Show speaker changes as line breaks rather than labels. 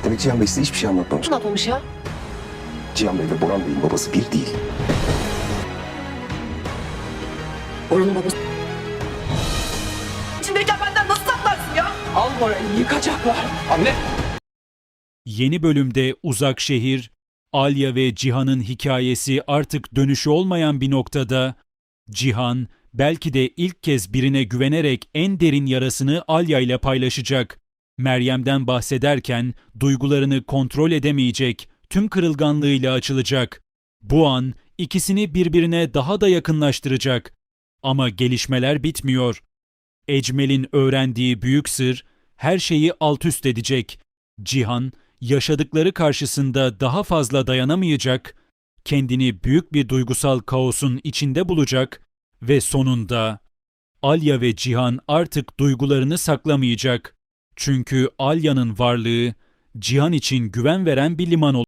Demek Cihan Bey size hiçbir şey anlatmamış.
Ne yapılmış ya?
Cihan Bey ve Boran Bey'in babası bir değil.
Oranın babası. İçindeyken benden nasıl saklarsın ya? Al orayı, yıkacaklar.
Anne!
Yeni bölümde Uzak Şehir, Alya ve Cihan'ın hikayesi artık dönüşü olmayan bir noktada. Cihan belki de ilk kez birine güvenerek en derin yarasını Alya ile paylaşacak. Meryem'den bahsederken duygularını kontrol edemeyecek, tüm kırılganlığıyla açılacak. Bu an ikisini birbirine daha da yakınlaştıracak. Ama gelişmeler bitmiyor. Ecmel'in öğrendiği büyük sır her şeyi alt üst edecek. Cihan yaşadıkları karşısında daha fazla dayanamayacak, kendini büyük bir duygusal kaosun içinde bulacak ve sonunda Alya ve Cihan artık duygularını saklamayacak. Çünkü Alya'nın varlığı Cihan için güven veren bir liman olacak.